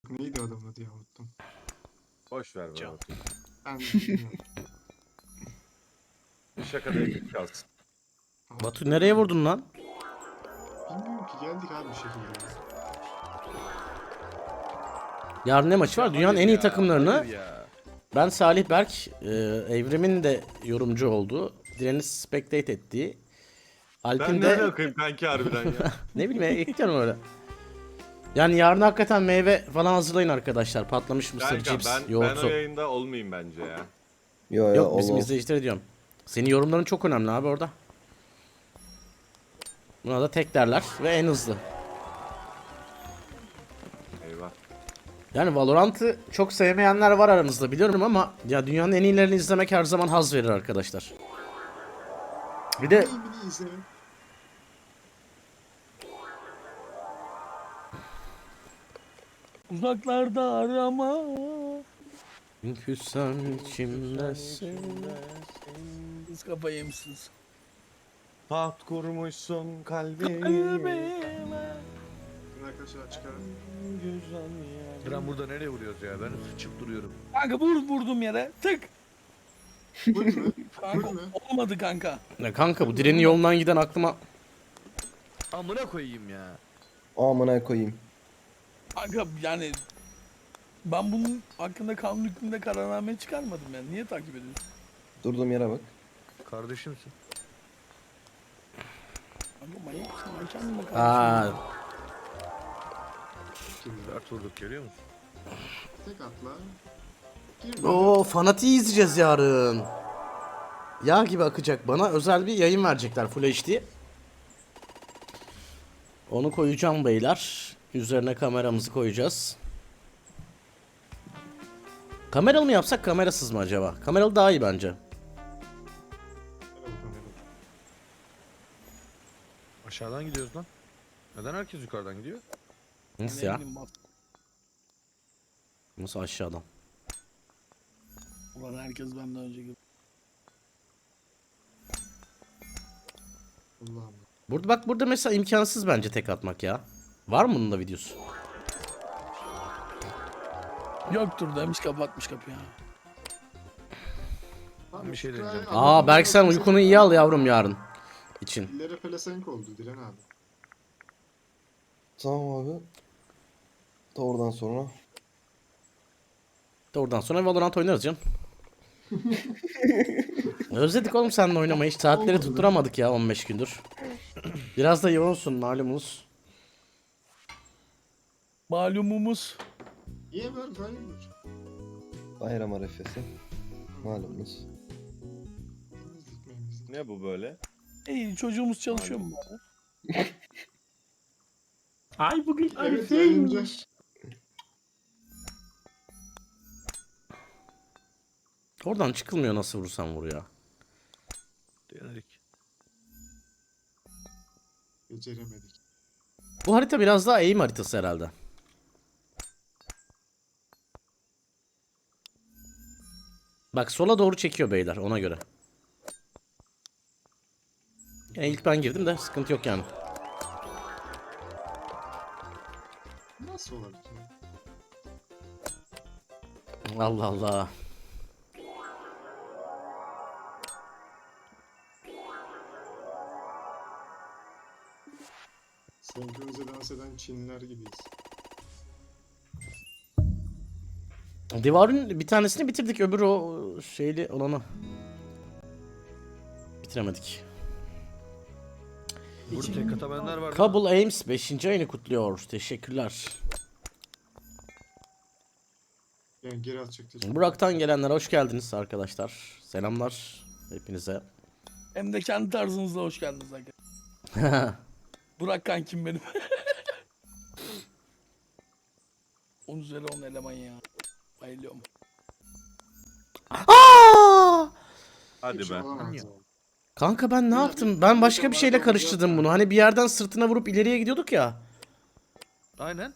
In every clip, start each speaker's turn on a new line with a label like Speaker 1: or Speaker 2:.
Speaker 1: Neydi adamın adı ya, unuttum.
Speaker 2: Boş ver
Speaker 3: Can.
Speaker 2: bana.
Speaker 1: Ben de bilmiyorum.
Speaker 2: Şakada yakın kalsın.
Speaker 4: Batu nereye vurdun lan?
Speaker 1: Bilmiyorum ki, geldik abi bir şekilde.
Speaker 4: Yarın ne maçı var? Dünyanın en iyi takımlarını
Speaker 3: Hayır ya.
Speaker 4: ben Salih Berk, Evrim'in de yorumcu olduğu, Diren'i spectate ettiği, Alp'in
Speaker 2: Ben nereye
Speaker 4: de
Speaker 2: okuyayım kanki harbiden ya.
Speaker 4: ne bileyim ekliyorum öyle. Yani yarın hakikaten meyve falan hazırlayın arkadaşlar. Patlamış mısır,
Speaker 2: Kanka
Speaker 4: cips,
Speaker 2: ben o
Speaker 4: yoğurtlu.
Speaker 2: yayında olmayayım bence ya.
Speaker 5: Yo
Speaker 4: Yok bizim
Speaker 5: Allah.
Speaker 4: izleyicilere diyorum. Senin yorumların çok önemli abi orada. Buna da tek derler ve en hızlı.
Speaker 2: Eyvah.
Speaker 4: Yani Valorant'ı çok sevmeyenler var aranızda biliyorum ama ya dünyanın en iyilerini izlemek her zaman haz verir arkadaşlar. Bir de
Speaker 1: Neyini izlerim.
Speaker 3: Uzaklarda arama.
Speaker 4: küssem içimdesin.
Speaker 3: Siz kafayı yemişsiniz.
Speaker 2: Taht kurmuşsun kalbime.
Speaker 3: Kalbime.
Speaker 1: Arkadaşlar çıkarın.
Speaker 6: Diren burada nereye vuruyoruz ya? Ben sıçıp duruyorum.
Speaker 3: Kanka vurdum yere. Tık.
Speaker 1: Full mü?
Speaker 3: Kanka
Speaker 1: Full mü?
Speaker 3: olmadı kanka.
Speaker 4: Ya kanka bu Diren'in yolundan giden aklıma
Speaker 6: Amına koyayım ya.
Speaker 5: Amına koyayım.
Speaker 3: Kanka yani ben bunun hakkında kanun hükmünde kararname çıkarmadım yani. Niye takip ediyorsun?
Speaker 5: Durduğum yere bak.
Speaker 6: Kardeşimsin.
Speaker 3: Kanka manyak mısın? Ben kendime
Speaker 4: aa
Speaker 3: kardeşim.
Speaker 6: Dert vurduk görüyor musun?
Speaker 1: Tek atla. Gir
Speaker 4: o fanatiği izleyeceğiz yarın. Yağ gibi akacak, bana özel bir yayın verecekler Full HD. Onu koyacağım beyler. Üzerine kameramızı koyacağız. Kameralı mı yapsak kamerasız mı acaba? Kameralı daha iyi bence.
Speaker 6: Aşağıdan gidiyoruz lan. Neden herkes yukarıdan gidiyor?
Speaker 4: Nasıl
Speaker 3: Ne
Speaker 4: ya?
Speaker 3: bileyim bak.
Speaker 4: Nasıl aşağıdan?
Speaker 3: Ulan herkes benden önce gibi.
Speaker 1: Allah'ım.
Speaker 4: Burada bak, burada mesela imkansız bence tek atmak ya. Var mı bunun da videosu?
Speaker 3: Yoktur demiş kapatmış kapıyı.
Speaker 1: Abi,
Speaker 6: Bir şey
Speaker 1: Fry
Speaker 6: deneyeceğim.
Speaker 4: Aa Berk sen uykunu iyi al yavrum yarın için.
Speaker 1: İllere pelesenk oldu Diren abi.
Speaker 5: Tamam abi. Da oradan sonra.
Speaker 4: Oradan sonra Valorant oynarız canım. Özledik oğlum seninle oynamayı. Hiç saatleri tutturamadık ya 15 gündür. Biraz da yoğunsun malumunuz.
Speaker 3: Malumumuz.
Speaker 1: Niye böyle hayırdır?
Speaker 5: Bayram arefesi. Malumunuz.
Speaker 1: Temizlik memizlik.
Speaker 2: Ne bu böyle?
Speaker 3: İyi çocuğumuz çalışıyor mu?
Speaker 4: Ay bugün
Speaker 1: Evet yayıncı.
Speaker 4: Oradan çıkılmıyor, nasıl vurursan vur ya.
Speaker 6: Denedik.
Speaker 1: Beceremedik.
Speaker 4: Bu harita biraz daha eğim haritası herhalde. Bak sola doğru çekiyor beyler, ona göre. Yani ilk ben girdim de sıkıntı yok yani.
Speaker 1: Nasıl olabilir ya?
Speaker 4: Allah Allah.
Speaker 1: Senkronize dans eden Çinliler gibiyiz.
Speaker 4: Divarın bir tanesini bitirdik, öbür o şeyli olanı bitiremedik.
Speaker 6: Burada tek atamanlar var.
Speaker 4: Kabul Ames 5. ayını kutluyor. Teşekkürler.
Speaker 1: Yani geri atacak teşekkür.
Speaker 4: Burak'tan gelenler hoş geldiniz arkadaşlar. Selamlar hepinize.
Speaker 3: Hem de kendi tarzınızla hoş geldiniz arkadaşlar. Burak kankim benim. 10 üzeri 10 eleman ya. Bayılıyorum.
Speaker 2: Hadi
Speaker 1: Hiç
Speaker 2: be.
Speaker 1: olamaz ya.
Speaker 4: Kanka ben ne yaptım? Ben başka bir şeyle karıştırdım bunu. Hani bir yerden sırtına vurup ileriye gidiyorduk ya.
Speaker 6: Aynen.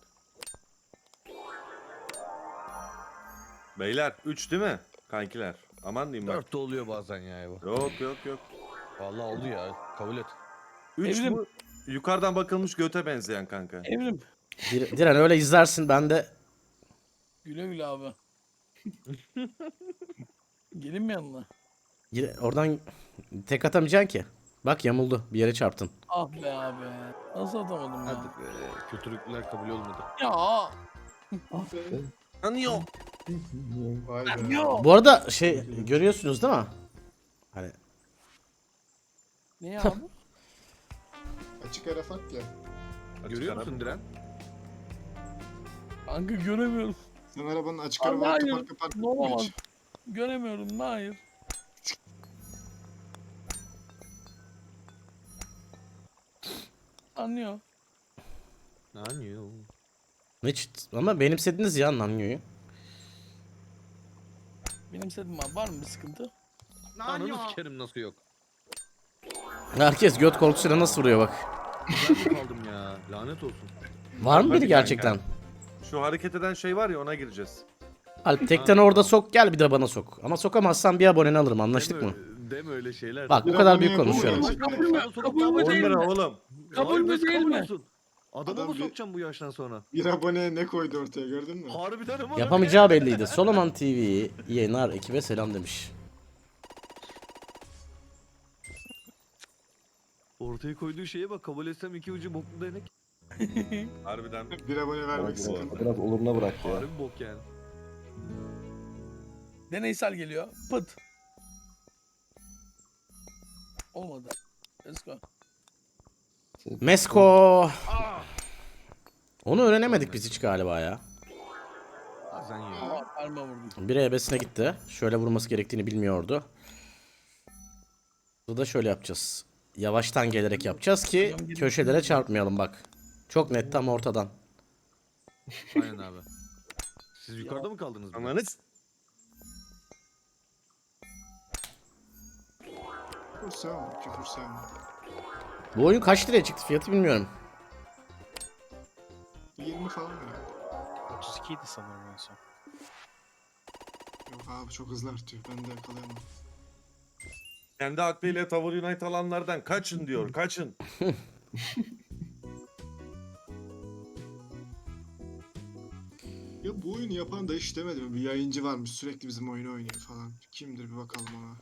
Speaker 2: Beyler 3 değil mi? Kankiler. Aman diyeyim bak.
Speaker 6: 4 de oluyor bazen ya bu.
Speaker 2: Yok.
Speaker 6: Vallahi oldu ya. Kabul et.
Speaker 2: 3
Speaker 3: Evrim.
Speaker 2: bu yukarıdan bakılmış göte benzeyen kanka.
Speaker 3: Evrim.
Speaker 4: Diren öyle izlersin, ben de
Speaker 3: Güle güle abi. Gelin mi yanına?
Speaker 4: Oradan tek atamayacaksın ki. Bak yamuldu. Bir yere çarptın.
Speaker 3: Ah be abi. Nasıl atamadım
Speaker 6: Hadi
Speaker 3: ya?
Speaker 6: be. Kötülükler kabul olmadı.
Speaker 3: Ya.
Speaker 2: Anıyor.
Speaker 1: Vay be.
Speaker 3: Yok.
Speaker 4: Bu arada görüyorsunuz değil mi? Hani
Speaker 3: Ne ya abi?
Speaker 1: Açık ara fark ya.
Speaker 6: Görüyor musun Diren?
Speaker 3: Kanka göremiyorum.
Speaker 1: Sen arabanın açık
Speaker 3: Allah
Speaker 1: arabayı
Speaker 3: hayır.
Speaker 1: kapar kapar.
Speaker 3: Ne olamaz. Göremiyorum. Hayır. Anlıyor.
Speaker 6: Anıyor.
Speaker 4: hiç ama benimsediniz ya Nanyo'yu.
Speaker 3: Benim sedim abi. Var mı bir sıkıntı?
Speaker 6: Ananı sikerim nasıl yok.
Speaker 4: Herkes göt korkusuyla nasıl vuruyor bak.
Speaker 6: Ben mi kaldım ya? Lanet olsun.
Speaker 4: Var mı
Speaker 2: Hadi
Speaker 4: biri gerçekten?
Speaker 2: Şu hareket eden şey var ya ona gireceğiz.
Speaker 4: Alp tekten orada sok gel bir de bana sok. Ama sokamazsan bir aboneni alırım anlaştık mı?
Speaker 6: Deme öyle şeyler.
Speaker 4: Bak bu
Speaker 1: Bir
Speaker 4: kadar
Speaker 1: aboneye
Speaker 4: büyük konuşuyorum.
Speaker 1: bu
Speaker 3: Kabul mü? Kabul mü
Speaker 2: 10
Speaker 3: değil
Speaker 2: lira
Speaker 3: mi?
Speaker 2: oğlum.
Speaker 3: Kabul mü değil mi?
Speaker 6: Olsun. Adamı
Speaker 1: Adam
Speaker 6: mı
Speaker 1: bir-
Speaker 6: sokacağım bu yaştan sonra?
Speaker 1: Bir abone ne koydu ortaya gördün mü?
Speaker 6: Harbiden ama.
Speaker 4: Yapamayacağı belliydi. Soloman TV iyi yayınlar ekibe selam demiş.
Speaker 6: Ortaya koyduğu şeye bak, kabul etsem iki ucu boklu denek.
Speaker 2: Harbiden.
Speaker 1: Bir abone vermek
Speaker 2: Doğru.
Speaker 1: sıkıntı.
Speaker 5: Biraz oluruna bıraktı ya.
Speaker 6: Harbi bok yani.
Speaker 3: Deneysel geliyor. Pıt. Olmadı. Let's go.
Speaker 4: Mesko. Onu öğrenemedik biz hiç galiba ya.
Speaker 6: Bazen ya.
Speaker 3: Aa, parmağı vurdum.
Speaker 4: Biri ebesine gitti. Şöyle vurması gerektiğini bilmiyordu. Bu da şöyle yapacağız. Yavaştan gelerek yapacağız ki köşelere çarpmayalım bak. Çok net tam ortadan.
Speaker 6: Aynen abi. Siz yukarıda mı kaldınız? burada?
Speaker 2: Ananız.
Speaker 1: Küfür sevmem. Küfür sevmem.
Speaker 4: Bu oyun kaç liraya çıktı fiyatı bilmiyorum.
Speaker 1: 20 falan herhalde.
Speaker 7: 32 idi sanırım en son.
Speaker 1: Yok abi çok hızlı artıyor. Ben de yakalayamam.
Speaker 2: Kendi aklıyla Tower Unite alanlardan kaçın diyor. Kaçın.
Speaker 1: Ya bu oyunu yapan da hiç demedi mi? Bir yayıncı varmış sürekli bizim oyunu oynuyor falan. Kimdir bir bakalım ona.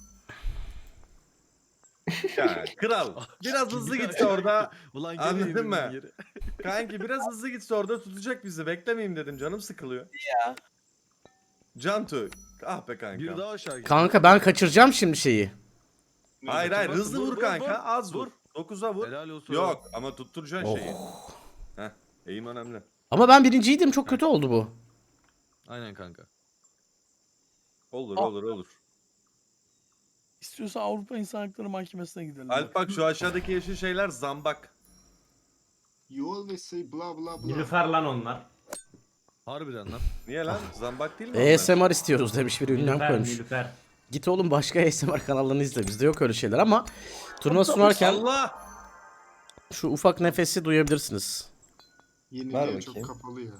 Speaker 2: Ya kral. Biraz hızlı gitse orada.
Speaker 6: Ulan
Speaker 2: Anladın
Speaker 6: gene
Speaker 2: mı?
Speaker 6: yürüdün geri.
Speaker 2: Kanki biraz hızlı gitse orada tutacak bizi. Beklemeyeyim dedim. Canım sıkılıyor.
Speaker 3: Ya.
Speaker 2: Cantu. Ah be kanka.
Speaker 6: Bir daha aşağı git.
Speaker 4: Kanka ben kaçıracağım şimdi şeyi.
Speaker 2: Hayır hayır
Speaker 6: Vur,
Speaker 2: hızlı
Speaker 6: vur,
Speaker 2: vur
Speaker 6: vur,
Speaker 2: kanka.
Speaker 6: vur.
Speaker 2: Az vur.
Speaker 6: Vur.
Speaker 2: 9'a vur.
Speaker 6: Helal olsun.
Speaker 2: Yok ama tutturacaksın
Speaker 4: Oh.
Speaker 2: şeyi. Heh. Eğim önemli.
Speaker 4: Ama ben birinciydim çok kötü oldu bu.
Speaker 6: Aynen kanka.
Speaker 2: Olur
Speaker 3: Ah.
Speaker 2: olur.
Speaker 3: İstiyorsan Avrupa İnsan Hakları Mahkemesi'ne gidelim.
Speaker 2: Alp bak şu aşağıdaki yeşil şeyler zambak.
Speaker 1: You always say blah blah blah.
Speaker 8: Nilüfer lan onlar.
Speaker 6: Harbiden lan.
Speaker 2: Niye lan? Zambak değil mi? onlar?
Speaker 4: ASMR istiyoruz demiş biri ünlem
Speaker 8: Nilüfer,
Speaker 4: koymuş.
Speaker 8: Nilüfer.
Speaker 4: Git oğlum başka ASMR kanallarını izle. Bizde yok öyle şeyler ama turnuva sunarken
Speaker 2: Allah!
Speaker 4: şu ufak nefesi duyabilirsiniz.
Speaker 5: Ver
Speaker 1: Yeniliğe çok
Speaker 5: bakayım.
Speaker 1: kapalı ya.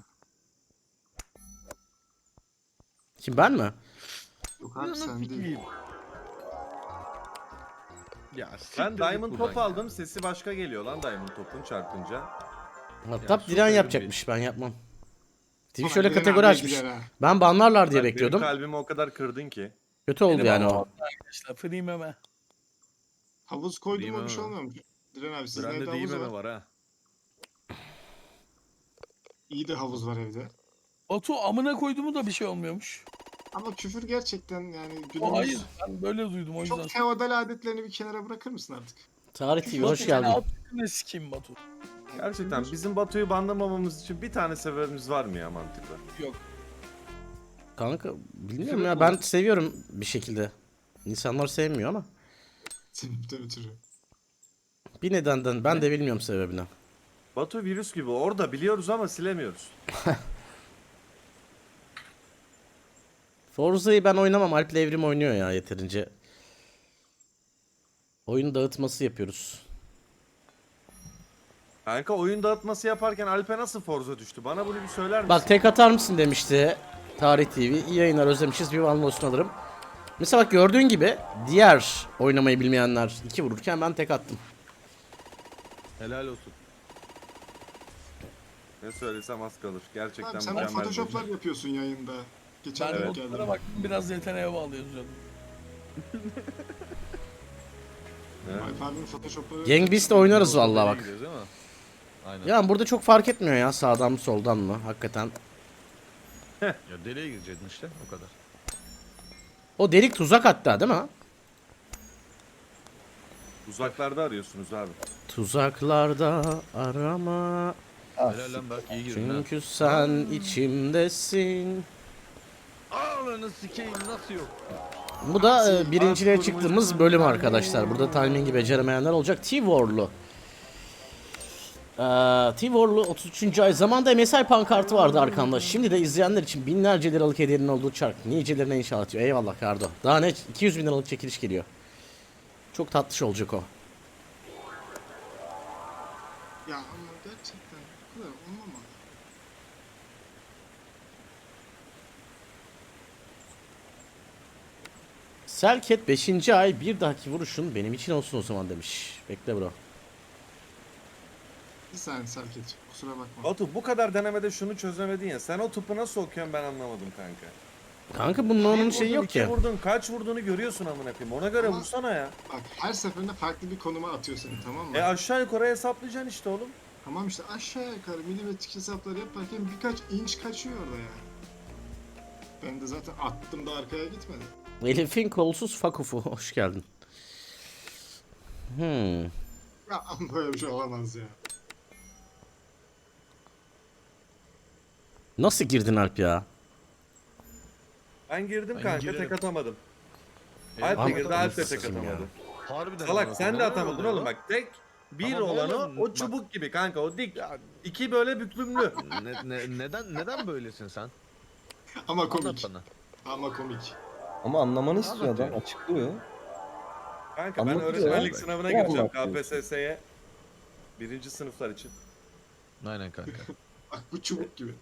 Speaker 4: Kim ben mi?
Speaker 1: Yok abi sen değil.
Speaker 6: Ya
Speaker 2: Ben
Speaker 6: siktir git
Speaker 2: Diamond
Speaker 6: buradan
Speaker 2: Top
Speaker 6: ya.
Speaker 2: aldım. Sesi başka geliyor lan Diamond Top'un çarpınca.
Speaker 4: Hatta
Speaker 6: süper
Speaker 4: Diren
Speaker 6: bir-
Speaker 4: yapacakmış ben yapmam. TV
Speaker 1: Ama
Speaker 4: şöyle
Speaker 1: Diren
Speaker 4: kategori
Speaker 1: abiye
Speaker 4: açmış.
Speaker 1: gider ha.
Speaker 4: Ben banlarlar diye
Speaker 2: Bak,
Speaker 4: bekliyordum.
Speaker 2: Benim kalbimi o kadar kırdın ki.
Speaker 4: Kötü oldu
Speaker 3: Benim
Speaker 4: yani
Speaker 3: ama-
Speaker 4: o.
Speaker 3: Arkadaşlar free meme.
Speaker 1: Havuz koydum
Speaker 6: Değil
Speaker 1: mu
Speaker 6: mi
Speaker 1: bir şey
Speaker 6: ama?
Speaker 1: olmuyormuş. Diren abi sizin
Speaker 6: Brende
Speaker 1: evde
Speaker 6: değil
Speaker 1: havuz
Speaker 6: mi
Speaker 1: var.
Speaker 6: var ha?
Speaker 1: İyi de havuz var evde.
Speaker 3: Batu amına koyduğumu da bir şey olmuyormuş.
Speaker 1: Ama küfür gerçekten yani
Speaker 3: O
Speaker 1: günümüz
Speaker 3: hayır. Ben böyle duydum o yüzden.
Speaker 1: çok feodal adetlerini bir kenara bırakır mısın artık?
Speaker 4: Tarih TV hoş
Speaker 3: Batu,
Speaker 4: geldin.
Speaker 3: alt üstüne sikeyim Batu.
Speaker 2: Gerçekten bizim Batu'yu banlamamamız için bir tane sebebimiz var mı ya mantıklı?
Speaker 3: Yok.
Speaker 4: Kanka bilmiyorum ya ben seviyorum bir şekilde. İnsanlar sevmiyor ama.
Speaker 1: Sebepten ötürü.
Speaker 4: Bir nedenden ben de bilmiyorum sebebini.
Speaker 2: Batu virüs gibi orada biliyoruz ama silemiyoruz.
Speaker 4: Forza'yı ben oynamam. Alp'le Evrim oynuyor ya yeterince. Oyun dağıtması yapıyoruz.
Speaker 2: Kanka oyun dağıtması yaparken Alp'e nasıl Forza düştü? Bana bunu bir söyler misin?
Speaker 4: Bak tek atar mısın demişti Tarih TV. İyi yayınlar özlemişiz bir One olsun alırım. Mesela bak gördüğün gibi diğer oynamayı bilmeyenler 2 vururken ben tek attım.
Speaker 6: Helal olsun.
Speaker 2: Ne söylesem az kalır. Gerçekten
Speaker 1: Abi sen
Speaker 2: mükemmel bir
Speaker 1: photoshoplar
Speaker 2: oyun.
Speaker 1: yapıyorsun yayında. Geçen
Speaker 3: Ben
Speaker 1: denk
Speaker 3: notlara
Speaker 1: geldim.
Speaker 3: bak biraz yeteneğe bağlı yazıyordum.
Speaker 2: Evet.
Speaker 1: Alp abinin photoshopları...
Speaker 4: Gang Beast'te oynarız vallahi
Speaker 6: Nereye
Speaker 4: bak.
Speaker 6: gidiyoruz değil mi? Aynen.
Speaker 4: Ya burada çok fark etmiyor ya sağdan mı soldan mı hakikaten.
Speaker 6: Ya deliğe girecektin işte o kadar.
Speaker 4: O delik tuzak hatta değil mi?
Speaker 2: Uzaklarda arıyorsunuz abi.
Speaker 4: Tuzaklarda arama.
Speaker 6: Helal lan Berk iyi girdin ha.
Speaker 4: Çünkü sen içimdesin.
Speaker 6: Ananı sikeyim nasıl yok?
Speaker 4: Bu da birinciliğe çıktığımız bölüm arkadaşlar. Burada timingi beceremeyenler olacak. T-War'lu. T-War'lu 33. ay. Zamanında MSI pankartı vardı arkamda. Şimdi de izleyenler için binlerce liralık hediyenin olduğu çark. Nicelerine inşallah diyor. Eyvallah Kardo. Daha ne? 200 bin liralık çekiliş geliyor. Çok tatlış olacak o.
Speaker 1: Ya ama gerçekten bu kadar olmamalı.
Speaker 4: Selket 5. ay bir dahaki vuruşun benim için olsun o zaman demiş. Bekle bro.
Speaker 1: Bir saniye Serket, kusura bakma.
Speaker 2: Batu bu kadar denemede şunu çözemedin ya. Sen o topu nasıl okuyorsun ben anlamadım kanka.
Speaker 4: Kanka bunun onun
Speaker 2: Bir
Speaker 4: şeyi
Speaker 2: vurdun,
Speaker 4: yok
Speaker 2: iki
Speaker 4: ki.
Speaker 2: vurdun, kaç vurduğunu görüyorsun amına koyayım. Ona göre
Speaker 1: Ama-
Speaker 2: vursana ya.
Speaker 1: Bak her seferinde farklı bir konuma atıyor seni, tamam mı?
Speaker 2: Aşağı yukarı hesaplayacaksın işte oğlum.
Speaker 1: Tamam işte aşağı yukarı milimetrik hesapları yaparken birkaç inç kaçıyor orada yani. Ben de zaten attım da arkaya gitmedi.
Speaker 4: Elif'in kolsuz fakufu. Hoş geldin.
Speaker 1: Ya ama böyle bir şey olamaz ya.
Speaker 4: Nasıl girdin Alp ya?
Speaker 2: Ben girdim
Speaker 6: Ben
Speaker 2: kanka
Speaker 6: girerim.
Speaker 2: tek atamadım.
Speaker 6: Evet,
Speaker 2: Alp de
Speaker 4: Ama-
Speaker 2: girdi, Alp de tek
Speaker 4: Sikeyim ya.
Speaker 2: atamadı.
Speaker 6: Harbiden
Speaker 2: Salak
Speaker 6: amına
Speaker 2: sen de
Speaker 6: koyayım.
Speaker 2: atamadın
Speaker 6: Neden
Speaker 2: oğlum
Speaker 6: oluyor?
Speaker 2: bak tek bir
Speaker 6: Tamam
Speaker 2: olanı
Speaker 6: oğlum,
Speaker 2: o
Speaker 6: bak.
Speaker 2: çubuk gibi kanka o dik.
Speaker 6: Ya,
Speaker 2: İki böyle büklümlü.
Speaker 6: neden böylesin sen?
Speaker 1: Ama
Speaker 6: Anlat
Speaker 1: komik.
Speaker 6: bana.
Speaker 1: Ama komik.
Speaker 5: Ama anlamanı istiyor adam.
Speaker 6: Anlatıyor.
Speaker 5: Açıklıyor.
Speaker 2: Kanka ben
Speaker 5: Anlatıyor
Speaker 2: öğretmenlik
Speaker 5: ya.
Speaker 2: sınavına
Speaker 5: Ne
Speaker 2: gireceğim
Speaker 5: anlatıyor?
Speaker 2: KPSS'ye. Birinci sınıflar için.
Speaker 6: Aynen kanka.
Speaker 1: Bak bu çubuk gibi.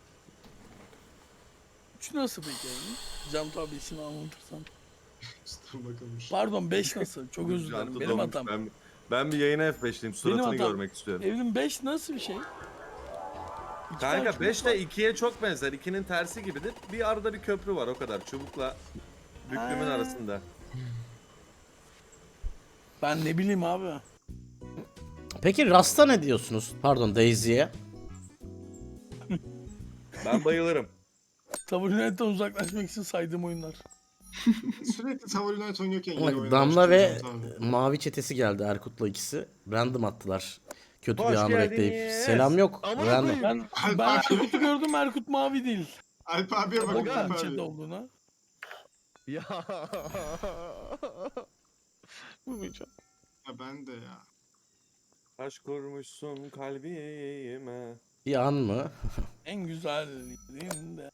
Speaker 3: 3 nasıl peki yani? Cam tabisini anlatırsan.
Speaker 1: Dur bakalım.
Speaker 3: Pardon 5 nasıl? Çok özür dilerim.
Speaker 2: Jantı
Speaker 3: Benim
Speaker 2: dolmuş.
Speaker 3: hatam.
Speaker 2: Ben bir yayına F5'liyim. Suratını
Speaker 3: hatam.
Speaker 2: görmek istiyorum.
Speaker 3: Evrim 5 nasıl bir şey? İki tane
Speaker 2: Kanka
Speaker 3: çubuk
Speaker 2: 5
Speaker 3: var.
Speaker 2: ile 2'ye çok benzer. 2'nin tersi gibidir. Bir arada bir köprü var o kadar. Çubukla büklümün
Speaker 3: Ha.
Speaker 2: arasında.
Speaker 3: Ben ne bileyim abi.
Speaker 4: Peki Rasta ne diyorsunuz? Pardon Daisy'ye.
Speaker 2: Ben bayılırım.
Speaker 3: Tabulinetten uzaklaşmak için saydığım oyunlar.
Speaker 1: Sürekli Tower United oynuyorken yeni
Speaker 4: Bak,
Speaker 1: oyunlar
Speaker 4: Damla ve
Speaker 1: çıkaracağız abi.
Speaker 4: Mavi çetesi geldi Erkut'la ikisi. Random attılar. Kötü bir
Speaker 2: Hoş
Speaker 4: anı
Speaker 2: geldiniz.
Speaker 4: bekleyip. Selam yok.
Speaker 6: Aman
Speaker 4: Random.
Speaker 6: koyayım.
Speaker 3: Ben Erkut'u gördüm, Erkut mavi değil.
Speaker 1: Alp abiye bak.
Speaker 6: Aga,
Speaker 1: Alp
Speaker 3: Bakın
Speaker 1: abi.
Speaker 3: chat olduğuna.
Speaker 6: Ya. Bulmayacağım.
Speaker 1: Ya ben de ya.
Speaker 2: Taş kurmuşsun kalbime.
Speaker 4: Bir an mı?
Speaker 3: En güzel yerinde.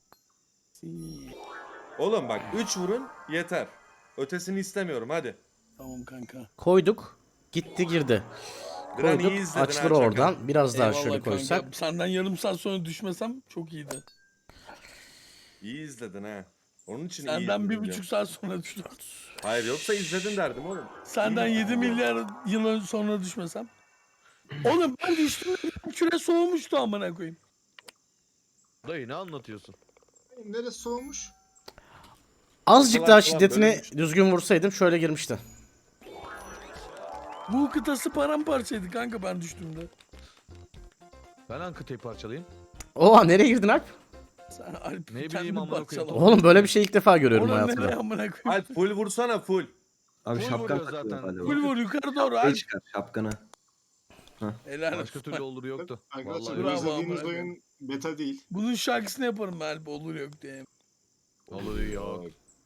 Speaker 2: Oğlum bak 3 vurun yeter. Ötesini istemiyorum hadi.
Speaker 3: Tamam kanka.
Speaker 4: Koyduk. Gitti girdi.
Speaker 2: Gran
Speaker 4: Koyduk.
Speaker 2: iyi izledin
Speaker 4: Açılır
Speaker 2: ha, çakal.
Speaker 4: oradan. Biraz daha
Speaker 3: Eyvallah
Speaker 4: şöyle
Speaker 3: kanka.
Speaker 4: koysak.
Speaker 3: Senden yarım saat sonra düşmesem çok iyiydi.
Speaker 2: İyi izledin ha. Onun için iyi
Speaker 3: Senden
Speaker 2: izledin
Speaker 3: 1,5
Speaker 2: diyorum.
Speaker 3: saat sonra düştüm.
Speaker 2: Hayır yoksa izledin derdim oğlum.
Speaker 3: Senden 7 milyar yıl sonra düşmesem. Oğlum ben düştüm. Küre soğumuştu amına koyayım.
Speaker 6: Dayı ne anlatıyorsun?
Speaker 1: Neresi soğumuş?
Speaker 4: Azıcık
Speaker 2: Falan
Speaker 4: daha
Speaker 2: falan
Speaker 4: şiddetini
Speaker 2: bölünmüş.
Speaker 4: düzgün vursaydım şöyle girmişti.
Speaker 3: Bu kıtası paramparçaydı kanka ben düştüğümde.
Speaker 6: Ben Ankıtay'ı parçalayayım.
Speaker 4: Oha nereye girdin Alp?
Speaker 3: Sen Alp
Speaker 6: Ne bileyim
Speaker 3: kendini
Speaker 6: amına koyayım.
Speaker 3: parçala.
Speaker 4: Oğlum böyle bir şey ilk defa görüyorum
Speaker 3: Oradan nereye
Speaker 4: hayatımda.
Speaker 3: amına koyayım?
Speaker 2: Alp full vursana full.
Speaker 5: Abi
Speaker 6: Full
Speaker 5: şapkan
Speaker 6: vuruyor
Speaker 5: takıyor
Speaker 6: zaten.
Speaker 5: galiba.
Speaker 3: Full vur yukarı doğru
Speaker 5: Şey
Speaker 3: Alp.
Speaker 5: çıkar şapkanı.
Speaker 3: Helal
Speaker 6: Başka
Speaker 3: olsun.
Speaker 6: türlü olur yoktu.
Speaker 1: Arkadaşlar
Speaker 6: Vallahi
Speaker 1: bu
Speaker 3: bravo,
Speaker 1: izlediğiniz
Speaker 3: amına
Speaker 1: oyun beta değil.
Speaker 3: Bunun şarkısını yaparım Alp olur yok diye.
Speaker 6: olur yok.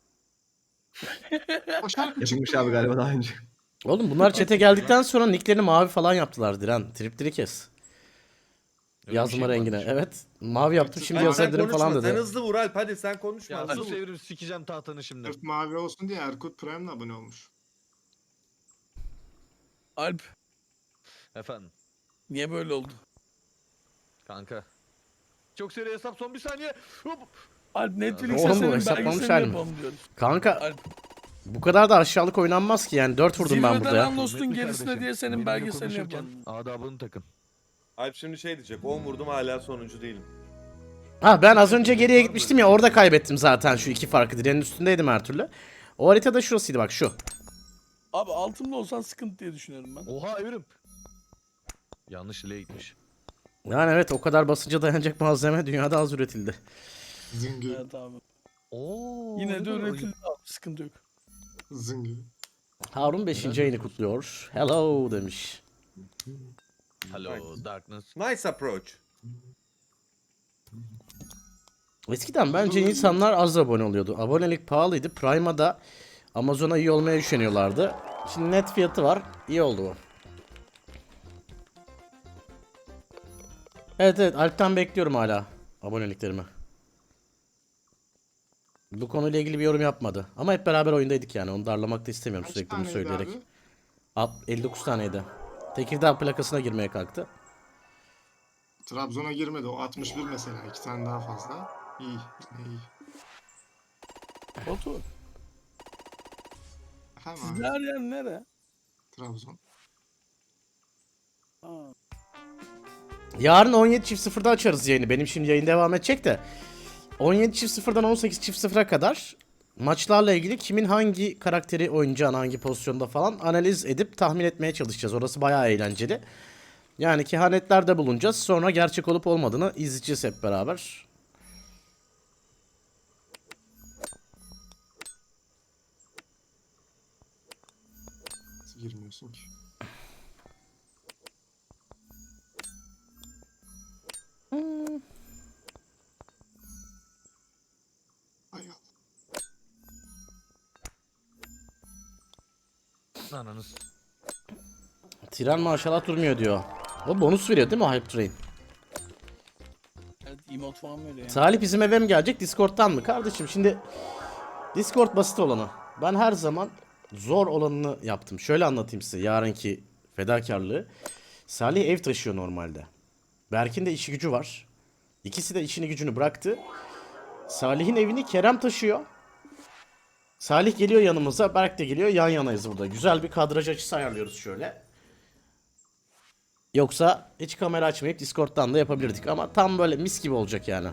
Speaker 1: O şarkı
Speaker 5: Yapılmış
Speaker 1: çıktı
Speaker 5: abi
Speaker 1: ya.
Speaker 5: galiba daha önce.
Speaker 4: Oğlum bunlar çete geldikten sonra nicklerini mavi falan yaptılar Diren. Tripleri kes.
Speaker 6: Öyle bir
Speaker 4: Yazma
Speaker 6: şey
Speaker 4: rengine.
Speaker 6: varmış.
Speaker 4: Evet. Mavi yaptım şimdi
Speaker 2: Alp sen
Speaker 4: yazabilirim
Speaker 2: konuşma.
Speaker 4: falan
Speaker 2: Sen
Speaker 4: dedi.
Speaker 2: hızlı vur Alp hadi sen konuşma.
Speaker 6: Ya
Speaker 2: hızlı
Speaker 6: sus
Speaker 2: vur.
Speaker 6: evrim sikeceğim tahtanı şimdi.
Speaker 1: Sırf mavi olsun diye Erkut Prime'le abone olmuş.
Speaker 3: Alp
Speaker 6: Efendim
Speaker 3: niye böyle oldu?
Speaker 6: kanka. Çok seri hesap son bir saniye. Hop.
Speaker 3: Alp Netflix'e
Speaker 4: Oğlum bu
Speaker 3: senin
Speaker 4: hesaplamış
Speaker 3: belgeselini
Speaker 4: halim.
Speaker 3: yapalım diyoruz.
Speaker 4: Kanka
Speaker 3: Alp
Speaker 4: bu kadar da aşağılık oynanmaz ki yani 4 vurdum ben burada
Speaker 3: Zirveden
Speaker 4: ya.
Speaker 3: Anlos'un
Speaker 6: Kıymetli
Speaker 3: gerisine
Speaker 6: kardeşim,
Speaker 3: diye senin
Speaker 6: benimle
Speaker 3: belgeselini
Speaker 6: konuşurken
Speaker 3: yapalım.
Speaker 6: Adabını takın.
Speaker 2: Alp şimdi şey diyecek. 10 vurdum hala sonuncu değilim.
Speaker 4: Ha ben az önce geriye gitmiştim ya, orada kaybettim zaten şu iki farkı. Direnin üstündeydim her türlü. O haritada şurasıydı bak, şu.
Speaker 3: Abi altımda olsan sıkıntı diye düşünüyorum ben.
Speaker 6: Oha evrim. Yanlış ile gitmiş.
Speaker 4: Yani evet, o kadar basınca dayanacak malzeme dünyada az üretildi.
Speaker 1: Zıngı.
Speaker 3: Evet abi.
Speaker 6: Oo.
Speaker 3: Yine de
Speaker 6: ne kadar-
Speaker 3: üretildi abi, sıkıntı yok.
Speaker 1: Zıngı.
Speaker 4: Harun 5. ayını kutluyor. Hello demiş.
Speaker 6: Hello darkness.
Speaker 2: Nice approach.
Speaker 4: Eskiden bence insanlar az abone oluyordu. Abonelik pahalıydı. Prime'a da Amazon'a iyi olmaya üşeniyorlardı. Şimdi net fiyatı var. İyi oldu bu. Evet evet, Alp'ten bekliyorum hala aboneliklerimi. Bu konuyla ilgili bir yorum yapmadı. Ama hep beraber oyundaydık yani. Onu darlamak da istemiyorum
Speaker 1: Kaç
Speaker 4: sürekli bunu
Speaker 1: taneydi
Speaker 4: söyleyerek.
Speaker 1: abi?
Speaker 4: 59 taneydi. Tekirdağ plakasına girmeye kalktı.
Speaker 1: Trabzon'a girmedi. O 61 mesela. 2 tane daha fazla. İyi. İyi.
Speaker 3: Batu.
Speaker 1: Efendim
Speaker 3: Sizin
Speaker 1: abi.
Speaker 3: her yer nere?
Speaker 1: Trabzon.
Speaker 3: Ha.
Speaker 4: Yarın 17.00'da açarız yayını. Benim şimdi yayın devam edecek de. 17.00'dan 18.00'a kadar maçlarla ilgili kimin hangi karakteri oynayacağını, hangi pozisyonda falan analiz edip tahmin etmeye çalışacağız. Orası bayağı eğlenceli. Yani kehanetlerde bulunacağız. Sonra gerçek olup olmadığını izleyeceğiz hep beraber.
Speaker 1: Nasıl girmiyorsun ki? Ay Allah.
Speaker 6: Ananız.
Speaker 4: Tren maşallah durmuyor diyor. O bonus veriyor değil mi o Hype Train?
Speaker 3: Evet, emote falan veriyor yani.
Speaker 4: Salih bizim eve mi gelecek, Discord'tan mı? Kardeşim şimdi Discord basit olanı. Ben her zaman zor olanını yaptım. Şöyle anlatayım size yarınki fedakarlığı. Salih ev taşıyor normalde. Berk'in de işi gücü var. İkisi de işini gücünü bıraktı. Salih'in evini Kerem taşıyor. Salih geliyor yanımıza, Berk de geliyor, yan yanayız burada. Güzel bir kadraj açısı ayarlıyoruz şöyle. Yoksa hiç kamera açmayıp Discord'dan da yapabilirdik ama tam böyle mis gibi olacak yani.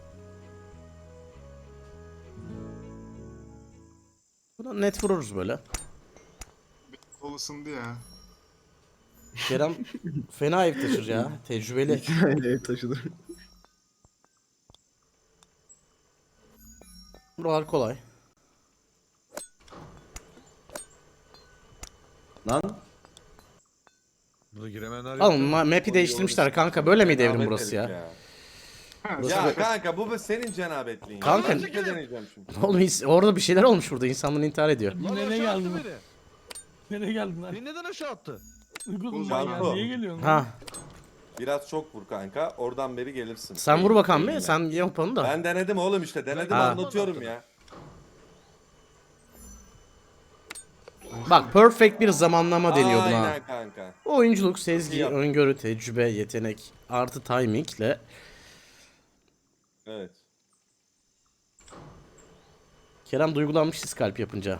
Speaker 4: Buna net vururuz böyle.
Speaker 1: Kol ısındı ya.
Speaker 4: Kerem fena ev taşır ya, tecrübeli.
Speaker 5: Aynen ev taşıdı.
Speaker 4: Buralar kolay.
Speaker 5: Lan
Speaker 6: Burada giremeyenler
Speaker 4: Oğlum map'i değiştirmişler kanka, böyle miydi evrim
Speaker 2: Cenabet
Speaker 4: burası
Speaker 2: herif
Speaker 4: ya?
Speaker 1: Ha,
Speaker 2: Ya kanka bu senin cenabetliğin.
Speaker 4: Kanka-
Speaker 2: Ben bir deneyeceğim şimdi.
Speaker 4: Oğlum orada bir şeyler olmuş burada, insanlar intihar ediyor.
Speaker 6: Lan
Speaker 3: Nereye
Speaker 6: aşağı attı
Speaker 3: geldin?
Speaker 6: beni.
Speaker 3: Nereye geldin lan?
Speaker 6: Beni neden aşağı attı?
Speaker 3: Uygun
Speaker 2: Canko.
Speaker 3: ya. Niye geliyorsun? lan?
Speaker 4: Ha,
Speaker 2: Biraz çok vur kanka. Oradan beri gelirsin.
Speaker 4: sen vur bakalım
Speaker 2: Eğilme.
Speaker 4: bir, sen yap onu da.
Speaker 2: Ben denedim oğlum işte. Denedim,
Speaker 4: Ha.
Speaker 2: anlatıyorum ya.
Speaker 4: Bak perfect bir zamanlama deniyor buna.
Speaker 2: Aynen kanka.
Speaker 4: Oyunculuk, sezgi,
Speaker 2: Yap.
Speaker 4: öngörü, tecrübe, yetenek artı timingle
Speaker 2: Evet.
Speaker 4: Kerem duygulanmış skalp yapınca.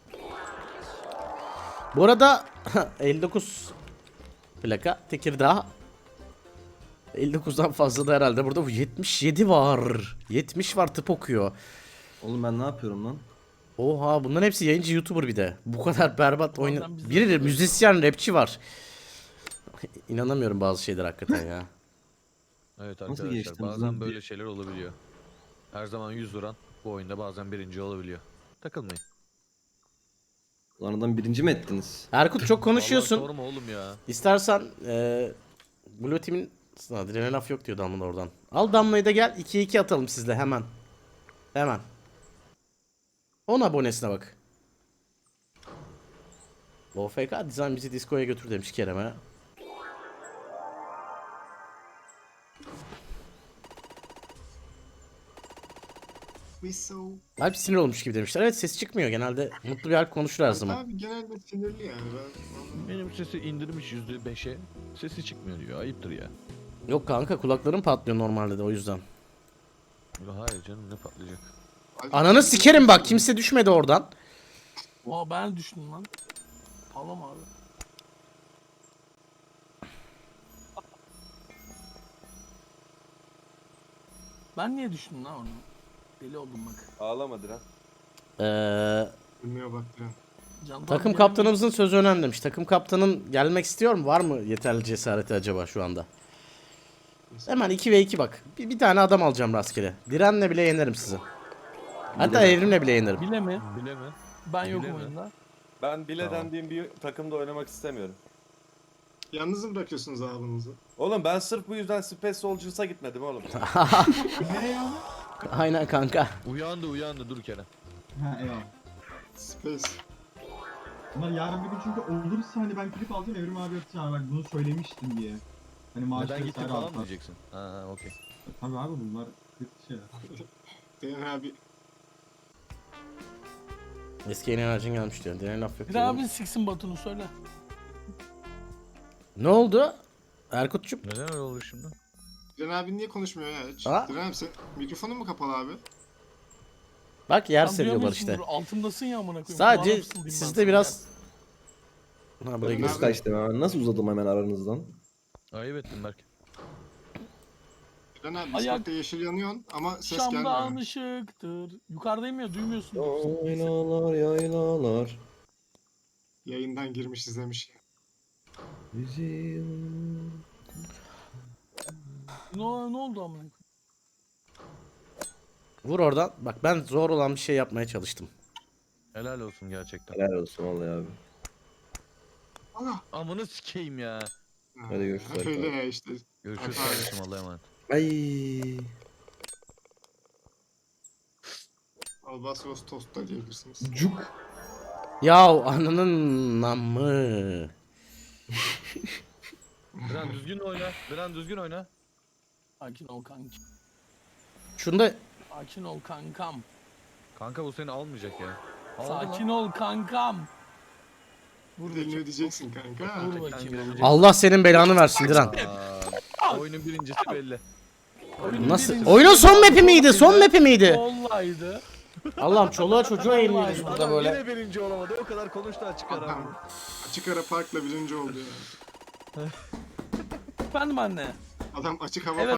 Speaker 4: Bu arada 59 plaka Tekirdağ. 59'dan fazla da herhalde burada, bu 77 var. 70 var, tıp okuyor.
Speaker 5: oğlum ben ne yapıyorum lan?
Speaker 4: Oha, bunların hepsi yayıncı YouTuber bir de. Bu kadar berbat oyun.
Speaker 3: Ondan biz de
Speaker 4: Biri müzisyen, rapçi var. İnanamıyorum bazı şeyler hakikaten ya.
Speaker 6: Evet
Speaker 5: Nasıl
Speaker 6: arkadaşlar
Speaker 5: geçtiniz
Speaker 6: bazen
Speaker 5: lan?
Speaker 6: böyle şeyler olabiliyor. Her zaman 100 duran bu oyunda bazen birinci olabiliyor. Takılmayın.
Speaker 5: Lan adam birinci mi ettiniz?
Speaker 4: Erkut çok
Speaker 6: Vallahi
Speaker 4: konuşuyorsun.
Speaker 6: sorma oğlum ya.
Speaker 4: İstersen Blue Team'in Adrenalin laf yok diyor Damla oradan. Al Damla'yı da gel 2-2 atalım sizle hemen. Hemen. 10 abonesine bak. OFK Design bizi Disco'ya götür demiş Kerem'e.
Speaker 1: We so.
Speaker 4: Alp sinir olmuş gibi demişler. Evet, ses çıkmıyor genelde. Mutlu bir Alp konuşur her zaman.
Speaker 1: Abi genelde sinirli yani.
Speaker 6: Benim sesi indirmiş %5'e. Sesi çıkmıyor diyor. Ayıptır ya.
Speaker 4: Yok kanka, kulaklarım patlıyor normalde de o yüzden.
Speaker 6: Hayır canım ne patlayacak.
Speaker 4: Ananı sikerim bak, kimse düşmedi oradan.
Speaker 3: Oha ben düştüm lan. Ağlama abi. Ben niye düşündüm lan onu? Deli oldum bak.
Speaker 2: Ağlama Diren.
Speaker 1: Bilmiyor bak Diren.
Speaker 3: Candan
Speaker 4: Takım
Speaker 3: bir
Speaker 4: kaptanımızın sözü önemli demiş. Takım kaptanın gelmek istiyor mu? Var mı yeterli cesareti acaba şu anda? Hemen 2v2 bak. Bir tane adam alacağım rastgele. Direnle bile yenerim sizi. Hatta evrimle bile yenerim.
Speaker 3: Bile mi?
Speaker 6: Bile mi?
Speaker 3: Ben yokum
Speaker 6: Bile mi?
Speaker 3: oyunda.
Speaker 2: Ben bile
Speaker 6: Tamam.
Speaker 2: dendiğim bir takımda oynamak istemiyorum.
Speaker 1: Yalnız mı bırakıyorsunuz abinizi?
Speaker 2: Oğlum ben sırf bu yüzden Space Soldiers'a gitmedim oğlum.
Speaker 4: Aynen kanka.
Speaker 6: Uyandı dur Kerem.
Speaker 7: Ha eyvallah.
Speaker 1: Space.
Speaker 7: Bunlar yarın bir gün çünkü olursa hani ben klip alacağım Evrim abi atacağım bak bunu söylemiştim diye. Hani maaşı
Speaker 6: Neden gittin
Speaker 7: vesaire
Speaker 6: falan mı
Speaker 7: artar.
Speaker 6: diyeceksin? Ha okey.
Speaker 7: Tabii abi bunlar kötü şeyler.
Speaker 1: Diren abi.
Speaker 4: Eski yeni enerjin gelmiş diyor. Diren laf yok.
Speaker 3: Bir
Speaker 4: diyor.
Speaker 3: abi siksin Batu'nu söyle.
Speaker 4: Ne oldu? Erkut'cum.
Speaker 6: Neden öyle oldu şimdi?
Speaker 1: Diren abi niye konuşmuyor ya hiç?
Speaker 4: Aa.
Speaker 1: Diren abi sen mikrofonun mu kapalı abi?
Speaker 4: Bak yer
Speaker 3: Sen
Speaker 4: seviyorlar
Speaker 3: duyamıyorsun,
Speaker 4: işte.
Speaker 3: dur, altındasın ya amına koyayım.
Speaker 4: Sadece
Speaker 3: Kulağına fısıldayım ben
Speaker 4: sizde
Speaker 3: sana
Speaker 4: biraz... Ha buraya
Speaker 1: Abi-
Speaker 4: giriyorsun.
Speaker 5: Nasıl kaçtım hemen? Nasıl uzadım hemen aranızdan?
Speaker 6: Ayıp ettin Berk.
Speaker 1: Diren abi
Speaker 3: Ayak-
Speaker 1: Discord'da yeşil yanıyorsun ama
Speaker 3: ya.
Speaker 1: ses
Speaker 3: Şam'dan
Speaker 1: gelmiyor.
Speaker 3: ışıktır. Yukarıdayım ya duymuyorsun.
Speaker 5: Yaylalar yaylalar.
Speaker 1: Yayından girmiş izlemiş.
Speaker 5: Bizim...
Speaker 3: Ne oldu amına koyayım?
Speaker 4: Vur oradan. Bak ben zor olan bir şey yapmaya çalıştım.
Speaker 6: Helal olsun gerçekten.
Speaker 5: Helal olsun vallahi abi.
Speaker 1: Allah.
Speaker 6: Amını sikeyim ya.
Speaker 5: Hadi görüşürüz
Speaker 1: Hep öyle
Speaker 5: arkadaşlar.
Speaker 1: ya işte.
Speaker 6: Görüşürüz
Speaker 1: Hadi.
Speaker 6: kardeşim Allah'a emanet.
Speaker 5: Ay.
Speaker 1: Albatros Tosta diyebilirsiniz.
Speaker 5: Cuk.
Speaker 4: Ya ananın namı.
Speaker 6: Diren düzgün oyna. Diren düzgün oyna.
Speaker 3: Sakin ol kanki.
Speaker 4: Şunda
Speaker 3: Sakin ol kankam.
Speaker 6: Kanka bu seni almayacak ya. Aldı
Speaker 3: Sakin
Speaker 6: lan.
Speaker 3: ol kankam. Vur
Speaker 1: Bedelini
Speaker 3: bakayım.
Speaker 1: ödeyeceksin kanka.
Speaker 3: Vur
Speaker 6: Gerçekten
Speaker 3: bakayım.
Speaker 6: gelecek.
Speaker 4: Allah senin belanı versin Diren.
Speaker 6: Oyunun birincisi belli.
Speaker 4: Nasıl?
Speaker 3: Birincisi
Speaker 4: Oyunun son
Speaker 3: belli.
Speaker 4: map'i miydi? Son map'i miydi?
Speaker 3: Olaydı.
Speaker 4: Allah'ım çoluğa çocuğa eğleniyoruz burada
Speaker 6: Adam
Speaker 4: böyle.
Speaker 6: yine birinci olamadı. O kadar konuştu açık ara.
Speaker 1: Adam açık ara parkla birinci oldu ya.
Speaker 3: Efendim anne.
Speaker 1: Adam açık hava
Speaker 3: Evet.